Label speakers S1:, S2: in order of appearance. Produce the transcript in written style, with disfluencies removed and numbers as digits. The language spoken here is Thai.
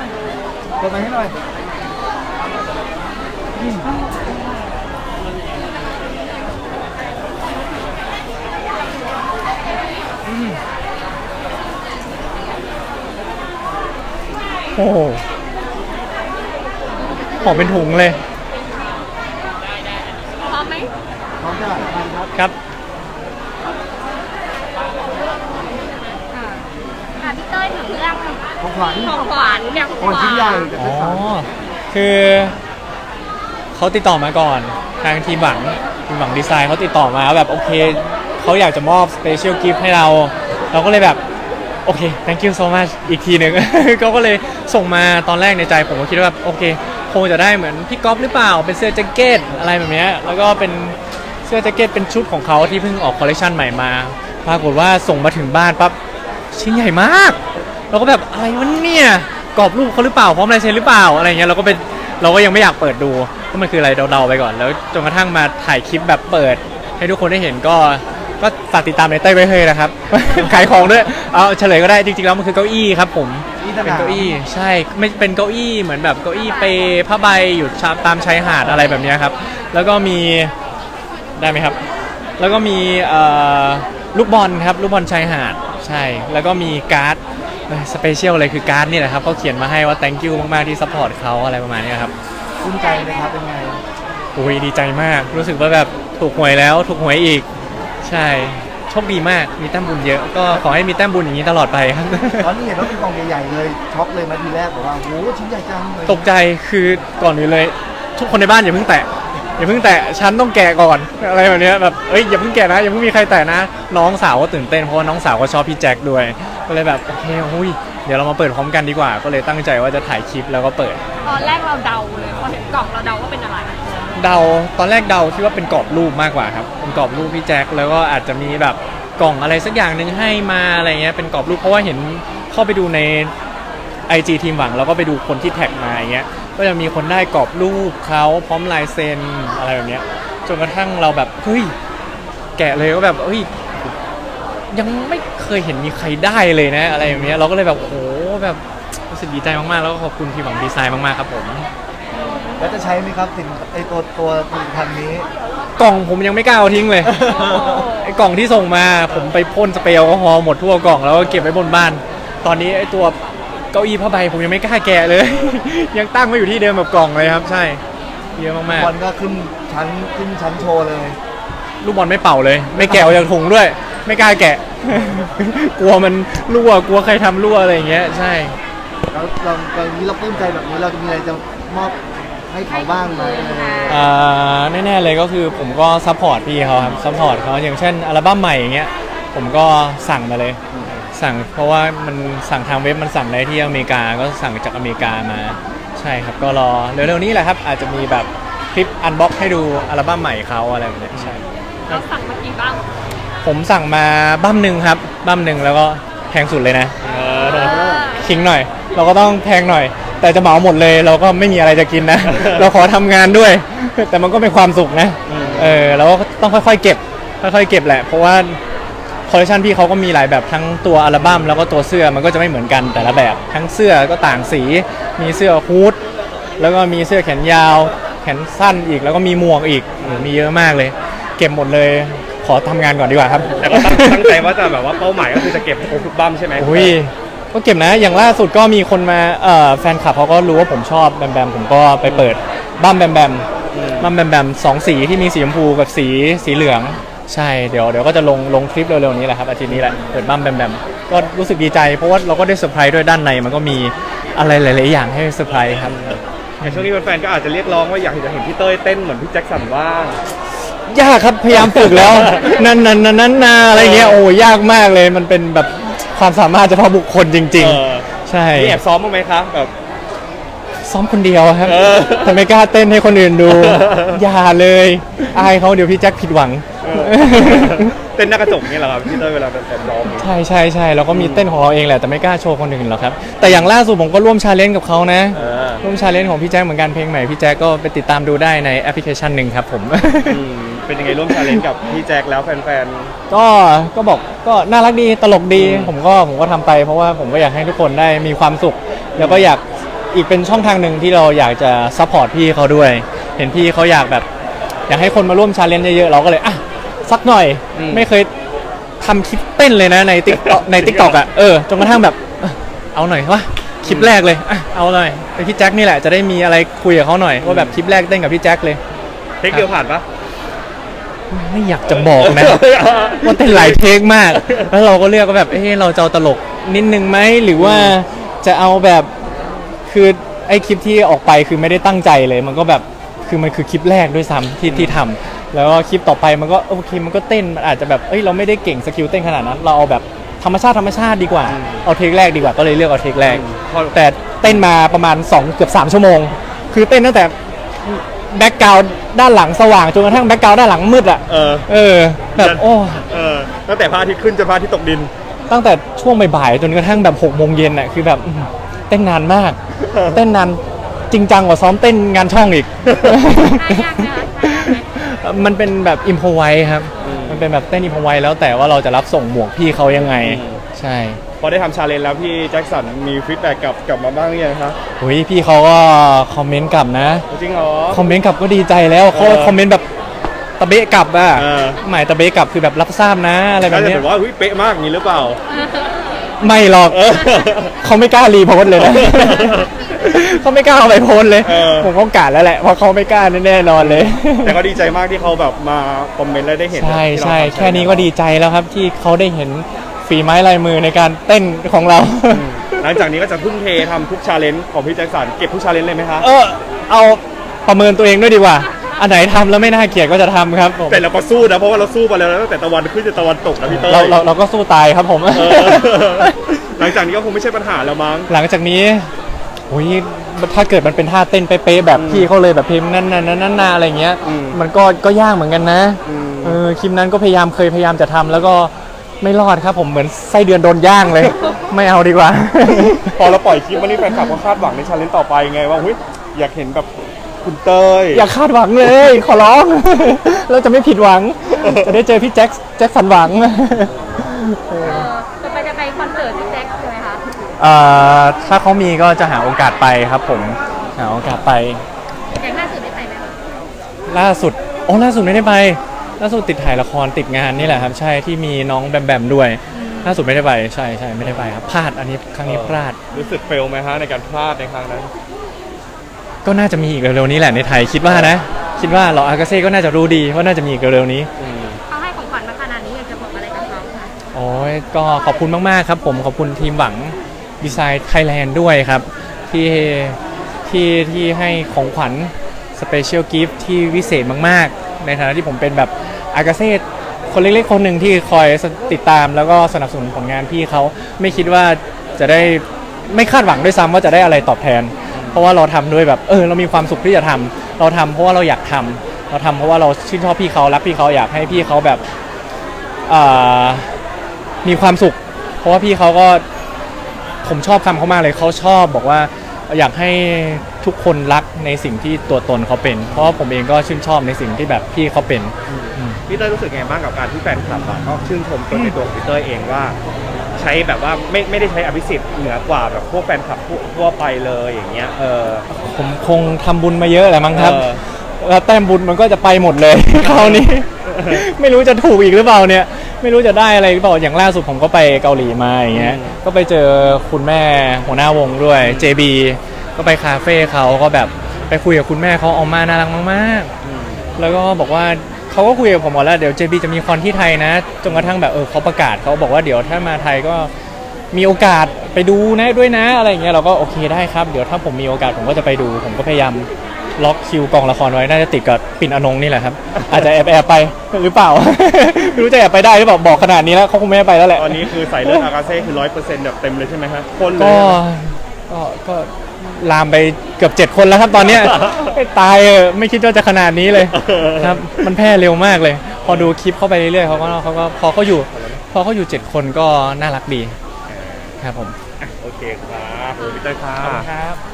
S1: เปิดไมค์ให้หน่อย
S2: โอ้โหหอมเป็นถุงเลย
S3: พร้อมไหม
S1: พร้อมจะทานครับ
S2: ครับ
S3: พี่เต้ยถึงเรื่อง
S1: ของขวัญ
S3: ของขวัญเนี่ยของ
S1: ก่อนชิ้นใหญ่แต่
S2: อ๋อ
S1: เป็นสาร
S2: คือเขาติดต่อมาก่อนทางทีมหวังดีไซน์เขาติดต่อมาแบบโอเคเขาอยากจะมอบสเปเชียลกิฟต์ให้เราก็เลยแบบโอเค thank you so much อีกทีหนึ่ง เขาก็เลยส่งมาตอนแรกในใจผมก็คิดว่าแบบโอเคคงจะได้เหมือนพี่ก๊อฟหรือเปล่าเป็นเสื้อแจ็คเก็ตอะไรแบบนี้แล้วก็เป็นเสื้อแจ็คเก็ตเป็นชุดของเขาที่เพิ่งออกคอลเลคชันใหม่มาปรากฏว่าส่งมาถึงบ้านปั๊บชิ้นใหญ่มากเราก็แบบอะไรวะเนี่ยกรอบรูปเขาหรือเปล่าพร้อมลายเซ็นหรือเปล่าอะไรเงี้ยเราก็ยังไม่อยากเปิดดูว่ามันคืออะไรเดาๆไปก่อนแล้วจนกระทั่งมาถ่ายคลิปแบบเปิดให้ทุกคนได้เห็นก็ฝากติดตามในเต้ยไว้เฮ้ยนะครับ ขายของด้วยเอาเฉลยก็ได้จริงๆแล้วมันคือเก้าอี้ครับผมเป็นเก้าอี้ใช่ไม่เป็นเก้าอี้เหมือนแบบเก้าอี้เปผ้าใบอยู่ตามชายหาดอะไรแบบนี้ครับแล้วก็มีได้ไหมครับแล้วก็มีลูกบอลครับลูกบอลชายหาดใช่แล้วก็มีการ์ดสเปเชียลเลยคือการ์ดนี่แหละครับเขาเขียนมาให้ว่า thank you มากๆที่ซัพพอร์ตเขาอะไรประมาณนี้ครับ
S1: ภูมิใจเลยครับเป็นไง
S2: โอ้ยดีใจมากรู้สึกว่าแบบถูกหวยแล้วถูกหวยอีกใช่โชคดีมากมีแต้มบุญเยอะก็ขอให้มีแต้มบุญอย่างนี้ตลอดไปครับ
S1: ตอนนี้เห็นว่าเป็นกล่องใหญ่ๆเลยช็อกเลยมาทีแรกบอกว่าโหชิ้นใหญ่จังเลย
S2: ตกใจคือก่อนอื่นเลยทุกคนในบ้านอย่าเพิ่งแตะฉันต้องแกะก่อนอะไรแบบนี้แบบอย่าเพิ่งแกะนะอย่าเพิ่งมีใครแตะนะน้องสาวก็ตื่นเต้นเพราะว่าน้องสาวก็ชอบพี่แจ็คด้วยก็เลยแบบโอเคหุ้ยเดี๋ยวเรามาเปิดพร้อมกันดีกว่าก็เลยตั้งใจว่าจะถ่ายคลิปแล้วก็เปิด
S3: ตอนแรกเราเดาเลยพอเห็นกล่องเราเดาว่าเป็นอะไร
S2: ตอนแรกเดาคิดว่าเป็นกรอบรูปมากกว่าครับเป็นกรอบรูปพี่แจ็คแล้วก็อาจจะมีแบบกล่องอะไรสักอย่างหนึ่งให้มาอะไรเงี้ยเป็นกรอบรูปเพราะว่าเห็นเข้าไปดูใน IG ทีมหวังแล้วก็ไปดูคนที่แท็กมาอย่างเงี้ยก็จะมีคนได้กรอบรูปเขาพร้อมลายเซ็นอะไรแบบเนี้ยจนกระทั่งเราแบบเฮ้ยแกะเลยก็แบบเฮ้ยยังไม่เคยเห็นมีใครได้เลยนะอะไรแบบเนี้ยเราก็เลยแบบโอ้โหแบบรู้สึกดีใจมากๆแล้วก็ขอบคุณทีมหวังดีไซน์มากๆครับผม
S1: แล้วจะใช้ไหมครับสิ่งตัวผลิตภัณฑ์นี้
S2: กล่องผมยังไม่กล้าเอาทิ้งเลย ไอ้กล่องที่ส่งมาผมไปพ่นสเปรย์แอลกอฮอล์หมดทั่วกล่องแล้วก็เก็บไว้บนบ้านตอนนี้ไอ้ตัวเก้าอี้ผ้าใบผมยังไม่กล้าแกะเลย ยังตั้งไว้อยู่ที่เดิมแบบกล่องเลยครับใช่เยอะมากๆ
S1: บอลก็ขึ้นชั้นโชว์เลย
S2: ลูกบอลไม่เป่าเลยไม่แกะออกจากถุงด้วยไม่กล้าแกะ กลัวมันรั่วกลัวใครทำรั่วอะไรอย่างเงี้ยใช่
S1: แล้วเรานี้เราปลื้มใจแบบนี้เราจะมีอะไรจะมอบให้เขาบ้างไหม
S2: แน่ๆเลยก็คือผมก็ซัพพอร์ตพี่เขาครับซัพพอร์ตเขาอย่างเช่นอัลบั้มใหม่อย่างเงี้ยผมก็สั่งมาเลยสั่งเพราะว่ามันสั่งทางเว็บมันสั่งได้ที่อเมริกาก็สั่งจากอเมริกามาใช่ครับก็รอเร็วๆนี้แหละครับอาจจะมีแบบคลิปอันบ็อกให้ดูอัลบั้มใหม่เขาอะไรแบบนี้ใช่
S3: เราสั่งมากี่บ้าง
S2: ผมสั่งมาบั้มหนึ่งครับบั้มหนึ่งแล้วก็แพงสุดเลยนะคิงหน่อยเราก็ต้องแพงหน่อยแต่จะเหมาหมดเลยเราก็ไม่มีอะไรจะกินนะ เราขอทำงานด้วยแต่มันก็เป็นความสุขนะเราก็ต้องค่อยๆเก็บแหละเพราะว่าคอลเลคชันพี่เขาก็มีหลายแบบทั้งตัวอัลบั้มแล้วก็ตัวเสื้อมันก็จะไม่เหมือนกันแต่ละแบบทั้งเสื้อก็ต่างสีมีเสื้อฮู้ดแล้วก็มีเสื้อแขนยาวแขนสั้นอีกแล้วก็มีหมวกอีกมีเยอะมากเลยเก็บหมดเลยขอทำงานก่อนดีกว่าครับ
S4: แต่ก็ตั้งใจว่าจะแบบว่าเป้าหมายก็คือจะเก็บครบทุกบั้มใช่ไหม
S2: อุ้ยก็เก็บนะอย่างล่าสุดก็มีคนมาแฟนคลับเขาก็รู้ว่าผมชอบแบมแบมผมก็ไปเปิดบั้มแบมแบมสองสีที่มีสีชมพูกับสีเหลืองใช่เดี๋ยวก็จะลงคลิปเร็วๆนี้แหละครับอาทิตย์นี้แหละเปิดบั้มแบมก็รู้สึกดีใจเพราะว่าเราก็ได้เซอร์ไพรส์ด้วยด้านในมันก็มีอะไรหลายๆอย่างให้เซอร์ไพรส์ครับ
S4: ในช่วงนี้แฟนๆก็อาจจะเรียกร้องว่าอยากจะเห็นพี่เต้ยเต้นเหมือนพี่แจ็คสันบ้าง
S2: ยากครับพยายามฝึกแล้ว นั่นอะไรเงี้ยโอ้ยากมากเลยมันเป็นแบบความสามารถเฉพาะบุคคลจริงๆใช่
S4: มีแอบซ้อมบ้างไหมคะแบบ
S2: ซ้อมคนเดียวครับแต่ไม่กล้าเต้นให้คนอื่นดูอย่าเลยอายเขาเดี๋ยวพี่แจ็คผิดหวัง
S4: เต้นหน้ากระจกนี่แหละครับพี่เต้ยเวลาเป็นซ้อม
S2: ใช่เราก็มีเต้นของเราเองแหละแต่ไม่กล้าโชว์คนอื่นหรอกครับแต่อย่างล่าสุดผมก็ร่วมชาเลนจ์กับเขานะร่วมชาเลนจ์ของพี่แจ็คเหมือนกันเพลงใหม่พี่แจ็คก็ไปติดตามดูได้ในแอปพลิเคชันหนึ่งครับผม
S4: เป็นยังไงร่วมชาเลนจ์กับพี่แจ็คแล้วแฟน
S2: ๆก็บอกก็น่ารักดีตลกดีผมก็ทำไปเพราะว่าผมก็อยากให้ทุกคนได้มีความสุขแล้วก็อยากอีกเป็นช่องทางหนึ่งที่เราอยากจะซัพพอร์ตพี่เขาด้วย เห็นพี่เขาอยากแบบอยากให้คนมาร่วมชาเลนจ์เยอะๆเราก็เลยอ่ะสักหน่อยไม่เคยทำคลิปเต้นเลยนะในติ๊กต็อกอ่ะจนกระทั่งแบบเอาหน่อยวะคลิปแรกเลยอ่ะเอาหน่อยไปพี่แจ็คนี่แหละจะได้มีอะไรคุยกับเขาหน่อยว่าแบบคลิปแรกเต้นกับพี่แจ็คเลย
S4: เทคเดียวผ่านปะ
S2: ไม่อยากจะบอกนะ ว่าเต้นหลายเทคมาก แล้วเราก็เลือกว่าแบบเราจะเอาตลกนิดนึงไหมหรือว่าจะเอาแบบคือไอ้คลิปที่ออกไปคือไม่ได้ตั้งใจเลยมันก็แบบคือมันคือคลิปแรกด้วยซ้ำที่ทำแล้วก็คลิปต่อไปมันก็โอเคมันก็เต้นมันอาจจะแบบเราไม่ได้เก่งสกิลเต้นขนาดนั้นเราเอาแบบธรรมชาติดีกว่าเอาเทคแรกดีกว่าก็เลยเลือกเอาเทคแรกแต่เต้นมาประมาณ2เกือบ3ชั่วโมงคือเต้นตั้งแต่แบ็กกราวด์ด้านหลังสว่างจนกระทั่งแบ็กกราวด์ด้านหลังมืดอ่ะแบบโอ้
S4: ตั้งแต่พระอาทิตย์ขึ้นจนพระอาทิตย์ตกดิน
S2: ตั้งแต่ช่วงบ่ายๆจนกระทั่งแบบ6 โมงเย็นอ่ะคือแบบเต้นนานมากเต้นนานจริงจังกว่าซ้อมเต้นงานช่องอีกมันเป็นแบบอิมพอไวครับมันเป็นแบบเต้นอิมพอไวแล้วแต่ว่าเราจะรับส่งหมวกพี่เขายังไงใช่
S4: พอได้ทำชาเลนจ์แล้วพี่แจ็คสันมีฟีดแบ็กกลับมาบ้างหรือยังครับ
S2: พี่เขาก็คอมเมนต์กลับนะ
S4: จริงเหรอ
S2: คอมเมนต์กลับก็ดีใจแล้วเขาคอมเมนต์แบบตะเบะกลับอ่ะหมายตะเบะกลับคือแบบรับทราบนะอะไรแบบนี้
S4: แต่ว่าเป๊ะมากอย่างนี้หรือเปล่า
S2: ไม่หรอกเขาไม่กล้ารีโพสเลยนะเขาไม่กล้าเอาไปโพสเลยผมก็กะแล้วแหละเพราะเขาไม่กล้าแน่นอนเลย
S4: แต่ก็ดีใจมากที่เขาแบบมาคอมเมนต์และได้เห็น
S2: ใช่แค่นี้ก็ดีใจแล้วครับที่เขาได้เห็นฝีไม้ลายมือในการเต้นของเรา
S4: หลังจากนี้ก็จะทุ่มเททำทุกชาเลนจ์ของพี่แจ็คสันเก็บทุกชาเลนจ์เลยไหมคะ
S2: เอาประเมินตัวเองด้วยดีกว่าอันไหนทำแล้วไม่น่าเกลียดก็จะทำครับ
S4: แต่เราก็สู้นะเพราะว่าเราสู้มาแล้วตั้งแต่ตะวันขึ้นจนตะวันตกนะพี่เต้ย
S2: เราก็สู้ตายครับผม
S4: หลังจากนี้ก็คงไม่ใช่ปัญหาแล้วมั้ง
S2: หลังจากนี้ถ้าเกิดมันเป็นท่าเต้นเป๊ะๆแบบพี่เขาเลยแบบเพลงนั่นอะไรเงี้ยมันก็ยากเหมือนกันนะคลิปนั้นก็พยายามจะทำแล้วก็ไม่รอดครับผมเหมือนไส้เดือนโดนย่างเลยไม่เอาดีกว่า
S4: พอเราปล่อยคลิปมานี่แฟนคลับก็คาดหวังในชาเลนจ์ต่อไปไงว่าอยากเห็นแบบคุณเต้ย
S2: อย่าคาดหวังเลยขอร้องเราจะไม่ผิดหวังจะได้เจอพี่แจ็คสันหวัง
S3: จะไปคอนเสิร์ตพี่แจ็คใช่ไหมคะ
S2: ถ้าเขามีก็จะหาโอกาสไปครับผมหาโอกาสไป
S3: อย่างล่าสุดได้ไปไหมคะ
S2: ล่าสุดไม่ได้ไปล่าสุดติดถ่ายละครติดงานนี่แหละครับใช่ที่มีน้องแบมด้วยล่าสุดไม่ได้ไปใช่ไม่ได้ไปครับพลาดอันนี้ครั้งนี้พลาด
S4: รู้สึกเฟลไหมฮะในการพลาดในครั้งนั้น
S2: ก็น่าจะมีอีกเร็วๆนี้แหละในไทยคิดว่าเราอากาเซ่ก็น่าจะรู้ดีว่าน่าจะมีอีกเร็วๆนี้
S3: เขาให้ของขวัญมาขนาดนี้อยากจะบอกอะไรกับเขาคะ
S2: ก็ขอบคุณมากๆครับผมขอบคุณทีมหวังดีไซน์ไทยแลนด์ด้วยครับที่ให้ของขวัญสเปเชียลกิฟต์ที่วิเศษมากๆในฐานะที่ผมเป็นแบบอากาเซ่คนเล็กๆคนหนึ่งที่คอยติดตามแล้วก็สนับสนุนผลงานพี่เขาไม่คิดว่าจะได้ไม่คาดหวังด้วยซ้ำว่าจะได้อะไรตอบแทนเพราะว่าเราทำด้วยแบบเรามีความสุขที่จะทำเราทำเพราะว่าเราอยากทำเราทำเพราะว่าเราชื่นชอบพี่เขารักพี่เขาอยากให้พี่เขาแบบมีความสุขเพราะว่าพี่เขาก็ผมชอบคำเขามากเลยเขาชอบบอกว่าอยากให้ทุกคนรักในสิ่งที่ตัวตนเขาเป็นเพราะว่าผมเองก็ชื่นชอบในสิ่งที่แบบพี่เขาเป็น
S4: พี่เต้ยรู้สึกไงบ้างกับการที่แฟนคลับก็ชื่นชมตัวในตัวของพี่เต้ยเองว่าใช้แบบว่าไม่ได้ใช้อภิสิทธิ์เหนือกว่าแบบพวกแฟนคลับทั่วไปเลยอย่างเงี้ย
S2: ผมคงทำบุญมาเยอะแหละมั้งครับแล้วแต้มบุญมันก็จะไปหมดเลยคราวนี้ ไม่รู้จะถูกอีกหรือเปล่าเนี่ยไม่รู้จะได้อะไรหรือเปล่าอย่างล่าสุดผมก็ไปเกาหลีมาอย่างเงี้ยก็ไปเจอคุณแม่หัวหน้าวงด้วย JB ก็ไปคาเฟ่เขาก็แบบไปคุยกับคุณแม่เขาเอามาน่ารักมากๆแล้วก็บอกว่าเขาก็คุยกับผมบอกแล้วเดี๋ยว JB จะมีคอนที่ไทยนะจนกระทั่งแบบเขาประกาศเขาบอกว่าเดี๋ยวถ้ามาไทยก็มีโอกาสไปดูนะด้วยนะอะไรอย่างเงี้ยเราก็โอเคได้ครับเดี๋ยวถ้าผมมีโอกาสผมก็จะไปดูผมก็พยายามล็อกคิวกองละครไว้น่าจะติดกับปิ่นอนงนี่แหละครับอาจจะแอบไปหรือเปล่า ไม่รู้จะแอบไปได้หรือเปล่าบอกขนาดนี้แล้วเขาคงไม่ไปแล้วแหละ
S4: ตอนนี้คือใส่เลือดอากาเซ่คือ 100% แบบเต็มเลยใช่ไหมครับคนเลย
S2: ก็ลามไปเกือบ7 คนแล้วครับตอนเนี้ยตายไม่คิดว่าจะขนาดนี้เลยครับมันแพร่เร็วมากเลยพอดูคลิปเข้าไปเรื่อยๆเขาก็พอเขาอยู่7 คนก็น่ารักดีครับผม
S4: โอเคครับพี่เต้ยครับ